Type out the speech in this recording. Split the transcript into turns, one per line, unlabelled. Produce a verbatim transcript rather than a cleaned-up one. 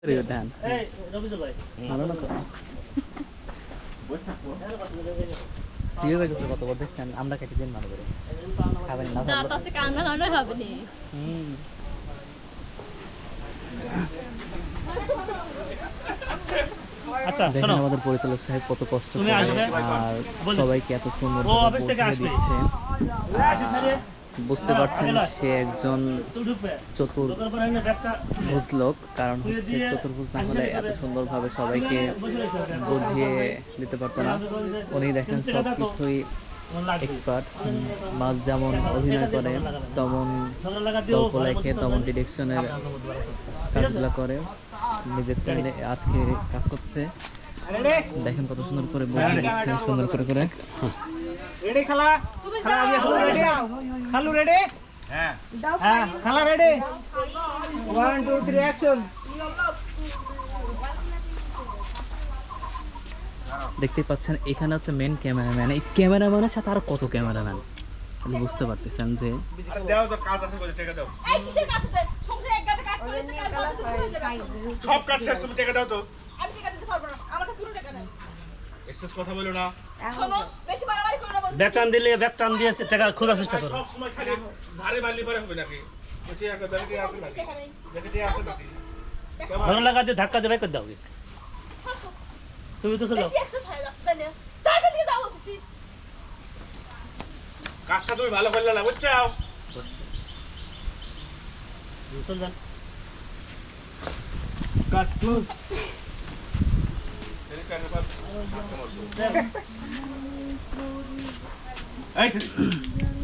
ধান ভালো না তো কত বড় দেখছেন আমরা কেটে দিন ভালো করে খাবেন না আচ্ছা শোনো আমাদের পরিচালক সাহেব কত কষ্ট করে আর সবাইকে এত সুন্দর দিচ্ছে বুঝতে পারছেন সে একজন চতুর্ভুজ লোক কারণ হচ্ছে চতুর্ভুজ না হলে এত সুন্দরভাবে সবাইকে বুঝিয়ে দিতে পারতো না উনি দেখেন সব কিছুই এক্সপার্ট মাছ যেমন অভিনয় করে তেমন গল্প লেখে তেমন ডিরেকশনের কাজগুলো করে নিজের চ্যানেলে আজকে কাজ করছে দেখেন কত সুন্দর করে বুঝিয়ে দিচ্ছে সুন্দর করে করে
রেডি খালা খালা দিয়ে খালু রেডি খালু রেডি হ্যাঁ হ্যাঁ খালা ready one two three action
দেখতে পাচ্ছেন এখানে হচ্ছে মেন ক্যামেরাম্যান এই ক্যামেরাম্যানের সাথে আর কত ক্যামেরাম্যান আপনি বুঝতে পারতেছেন যে
দাও তো কাজ আছে বলে টাকা দাও
এই কিসের কাজ আছে সংসারে এক গাদা কাজ করেছে কাল কত কিছু হয়ে যাবে
সব কাজ শেষ তুমি টাকা দাও তো
আমি টাকা দিতে পারবো না আমার কাছে কোনো টাকা নাই
এক্সেস কথা বলো না
শোনো বেশি বাড়াবাড়ি করো না বল
ব্যাকটান দিলে ব্যাকটান দিয়ে টাকা খোঁজার চেষ্টা করো
সব সময় খালি ধারে মারলি পরে হবে নাকি ওটি একটা ব্যাংকে আছে নাকি ব্যাংকে আছে নাকি
সরল লাগাতে ধাক্কা দিয়ে বাইক দাও তুমি তো চলো
বেশি এক্সারসাইজ হয়ে যাচ্ছে তাই না টাকা দিয়ে দাও বলছি
কাজটা তুমি ভালো করলে না বুঝছো
চল যান কাট ক্লোজ
এই